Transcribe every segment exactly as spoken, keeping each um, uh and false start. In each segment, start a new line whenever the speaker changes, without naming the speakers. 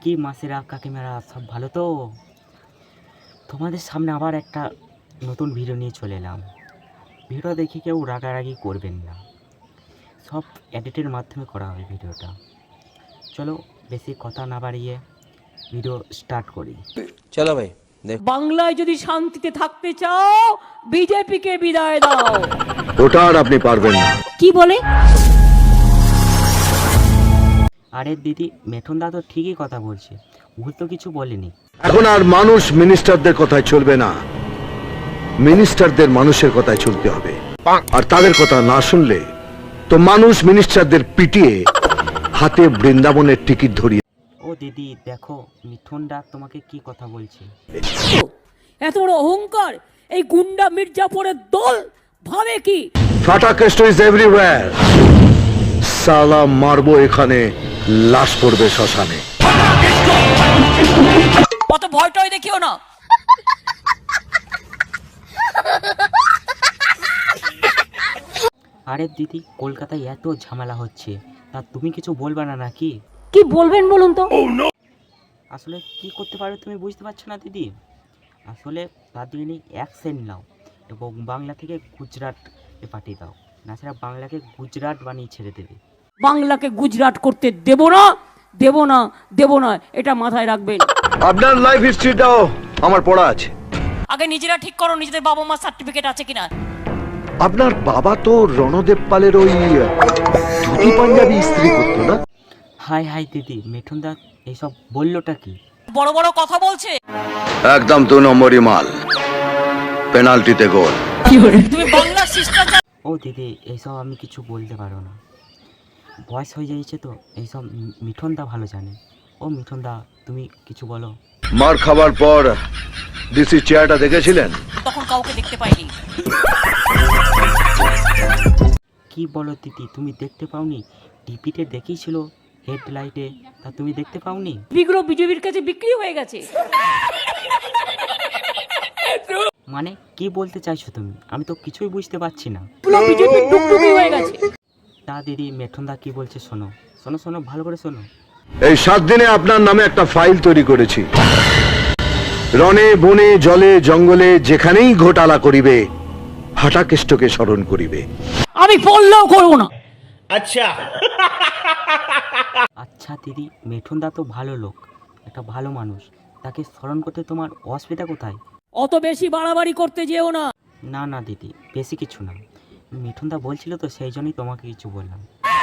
কি মাসিরা কাকিমারা সব ভালো তো? তোমাদের সামনে আবার একটা নতুন ভিডিও নিয়ে চলে এলাম। ভিডিও দেখে কেউ রাগারাগি করবেন না, সব এডিটের মাধ্যমে করা হয় ভিডিওটা। চলো বেশি কথা না বাড়িয়ে ভিডিও স্টার্ট করি।
চলো ভাই।
বাংলায় যদি শান্তিতে থাকতে চাও বিজেপিকে বিদায় দাও।
ওটা আর আপনি পারবেন না।
কি বলে?
আরে দিদি, মেঠন দা তো ঠিকই কথা বলছে, ভুল তো কিছু বলেনি।
এখন আর মানুষ মিনিস্টারদের কথায় চলবে না, মিনিস্টারদের মানুষের কথায় চলতে হবে। আর তাদের কথা না শুনলে তো মানুষ মিনিস্টারদের পিটিয়ে হাতে বৃন্দাবনের টিকিট ধরিয়ে।
ও দিদি দেখো, মিঠুন দা তোমাকে কি কথা বলছে।
এত বড় অহংকার এই গুন্ডা মির্জাপুরের দল ভাবে কি?
ফাটা কেষ্ট ইজ এভরিওয়্যার। সালা মারবো এখানে, লাশ পড়বে শ্মশানে।
অত ভয়টয় দেখিও না।
আরে দিদি, কলকাতায় এত ঝামেলা হচ্ছে, তা তুমি কিছু বলবে না নাকি?
কি বলবেন বলুন তো?
আসলে কি করতে পারো তুমি বুঝতে পারছো না দিদি। আসলে তার জন্য অ্যাকসেন্ট নাও এবং বাংলা থেকে গুজরাট এ পাঠিয়ে দাও, না সেটা বাংলাকে গুজরাট বানিয়ে ছেড়ে দেবে।
বাংলাকে গুজরাট করতে দেব না, দেব না, দেব না, এটা মাথায় রাখবেন।
আপনার লাইফ হিস্ট্রিটাও আমার পড়া আছে।
আগে নিজেরা ঠিক করো নিজেদের বাবা মা সার্টিফিকেট আছে কিনা।
আপনার বাবা তো রণদেব পালের ওই ধুতি পাঞ্জাবি ইস্ত্রি করতো না?
হাই হাই দিদি, মিঠুন দা এইসব বললোটা কি?
বড় বড় কথা বলছে।
একদম দু নম্বরই মাল, পেনাল্টিতে গোল।
তুমি বাংলা শিষ্টাচার।
ও দিদি, এইসব আমি কিছু বলতে পারো না, বয়স হয়ে যাচ্ছে তো। এইসব মিঠুন দা ভালো জানে। ও মিঠুন দা, তুমি কিছু বলো।
মার খাবার পর ডিসি চেয়ারটা দেখেছিলেন?
তখন কাউকে দেখতে পাইনি।
কি বলো দিদি, তুমি দেখতে পাওনি? টিভিতে দেখিয়েছিল হেডলাইটে, তা তুমি দেখতে পাওনি?
বিগুলো বিজেপির কাছে বিক্রি হয়ে গেছে।
মানে কি বলতে চাইছো তুমি? আমি তো কিছুই বুঝতে পারছি না।
পুরো বিজেপির টুকটুকি হয়ে গেছে।
তা দিদি, মেঠুন দা কি বলছে শোনো, শোনো শোনো ভালো করে শোনো।
এই সাত দিনে আপনার নামে একটা ফাইল তৈরি করেছি। রণে বনে জলে জঙ্গলে যেখানেই ঘোটালা করিবে, হাটাকেষ্টকে স্মরণ করিবে।
আমি বললেও করবো না।
আচ্ছা
আচ্ছা দিদি, মেঠুন দা তো ভালো লোক, একটা ভালো মানুষ, তাকে স্মরণ করতে তোমার অসুবিধা কোথায়?
অত বেশি বাড়াবাড়ি করতে যেও না।
না না দিদি, বেশি কিছু না, মিঠুন দা বলছিল তো সেই জন্যই তোমাকে কিছু বললাম।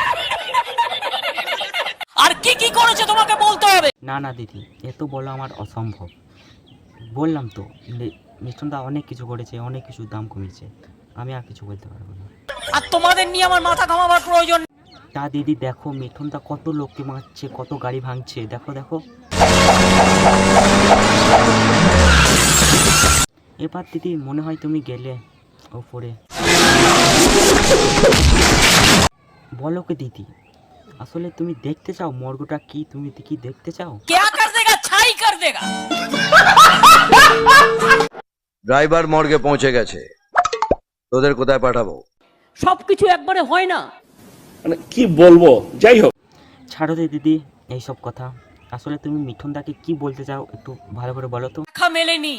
আর কি কি করেছে তোমাকে বলতে হবে।
না না দিদি, এত বলা আমার অসম্ভব। বললাম তো, মিঠুন দা অনেক কিছু করেছে, অনেক কিছু দাম কমিয়েছে, আমি আর কিছু বলতে পারবো না।
আর তোমাদের নিয়ে আমার মাথা ঘামাবার প্রয়োজন।
তা দিদি দেখো, মিঠুন দা কত লোককে মারছে, কত গাড়ি ভাঙছে, দেখো দেখো। এবার দিদি মনে হয় তুমি গেলে ওপরে। বলো কে দিদি, আসলে তুমি দেখতে চাও মর্গটা কি? তুমি কি দেখতে চাও?
क्या कर देगा ছাই कर देगा।
ড্রাইভার মর্গে পৌঁছে গেছে, তোদের কোথায় পাঠাবো?
সবকিছু একবারে হয় না।
মানে কি বলবো, যাই হোক।
ছাড়ো দে দিদি এইসব কথা। আসলে তুমি মিঠুন দাকে কি বলতে চাও একটু ভালো করে বলো তো।
দেখা মেলেনি।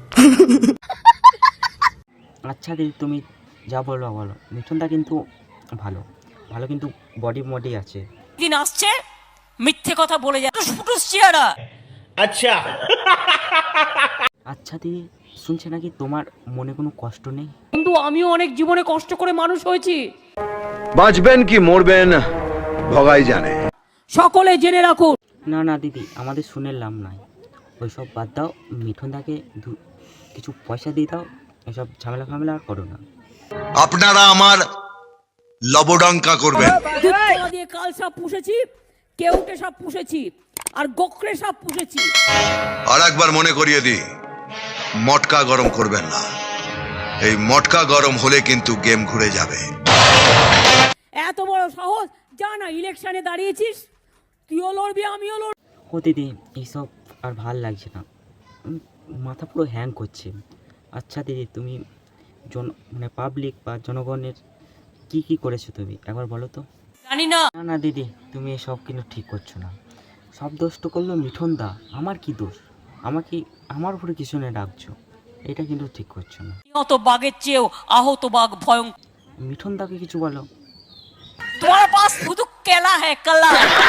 আচ্ছা দিদি, তুমি যা বলো বলো। মিঠুন দা কিন্তু ভালো ভালো, কিন্তু বডি মডি আছে।
দিন আসছে মিথ্যে কথা বলে যায়, ফুটুস চেহারা।
আচ্ছা
আচ্ছা দিদি, শুনছে নাকি তোমার মনে কোনো কষ্ট নেই?
কিন্তু আমিও অনেক জীবনে কষ্ট করে মানুষ হয়েছি।
বাঁচবেন কি মরবেন ভগাই জানে।
সকলে জেনে রাখুন।
না না দিদি, আমাদের শুনে লাভ নাই, ওইসব বাদ দাও। মিঠুন দাকে কিছু পয়সা দিয়ে দাও, এসব ঝামেলা ফামেলা আর করো না।
আপনারা আমার লবডঙ্কা করবেন।
দুধতলা দিয়ে কাল সাপ পুষেছি, কেউটে সাপ পুষেছি, আর গোকরে সাপ পুষেছি।
আর একবার মনে করিয়ে দিই, মটকা গরম করবেন না। এই মটকা গরম হলে কিন্তু গেম ঘুরে যাবে।
এত বড় সাহস, যা না ইলেকশনে দাঁড়িয়েছিস, তুইও লড়বি আমিও লড়ব।
ও দিদি, এইসব আর ভাল লাগছে না, উম, মাথা পুরো হ্যাং করছে। আচ্ছা দিদি, তুমি জন মানে পাবলিক বা জনগণের কি কি করেছো তুমি একবার বলো তো।
জানি না।
না না দিদি, তুমি এসব কিন্তু ঠিক করছো না। সব দোষটা করলো মিঠুন দা, আমার কি দোষ? আমাকে আমার উপরে কিছু নিয়ে ডাকছো, এটা কিন্তু ঠিক করছো না।
নিহত বাঘের চেয়েও আহত বাঘ ভয়ঙ্কর।
মিঠুন দাকে কিছু বলো।
তোমার পাস শুধু কেলা হ্যাঁ কালা।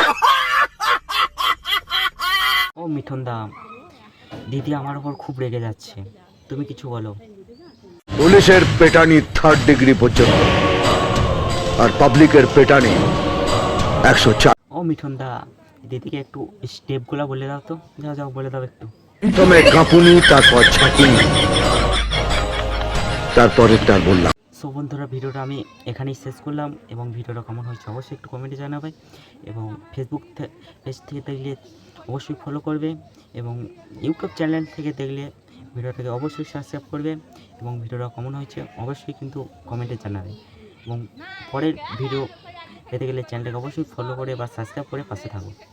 ও মিঠুন দা, দিদি আমার উপর খুব রেগে যাচ্ছে, তুমি কিছু বলো।
পুলিশের পেটানি থার্ড ডিগ্রি পর্যন্ত, আর পাবলিকের পেটানি একশো চার।
ও মিঠুন দা, দিদিকে একটু স্টেপগুলো বলে দাও তো, যাও যাও বলে দাও একটু।
প্রথমে কাঁপুনি, তারপর ছাঁকুনি, তারপরে তার বললাম।
সো বন্ধুরা, ভিডিওটা আমি এখানেই শেষ করলাম, এবং ভিডিওটা কেমন হয়েছে অবশ্যই একটু কমেন্টে জানাবে, এবং ফেসবুক পেজ থেকে দেখলে অবশ্যই ফলো করবে, এবং ইউটিউব চ্যানেল থেকে দেখলে ভিডিওটাকে অবশ্যই সাবস্ক্রাইব করবে, এবং ভিডিওটা কেমন হয়েছে অবশ্যই কিন্তু কমেন্টে জানাবে, এবং পরের ভিডিও পেতে গেলে চ্যানেলটাকে অবশ্যই ফলো করে বা সাবস্ক্রাইব করে পাশে থাকো।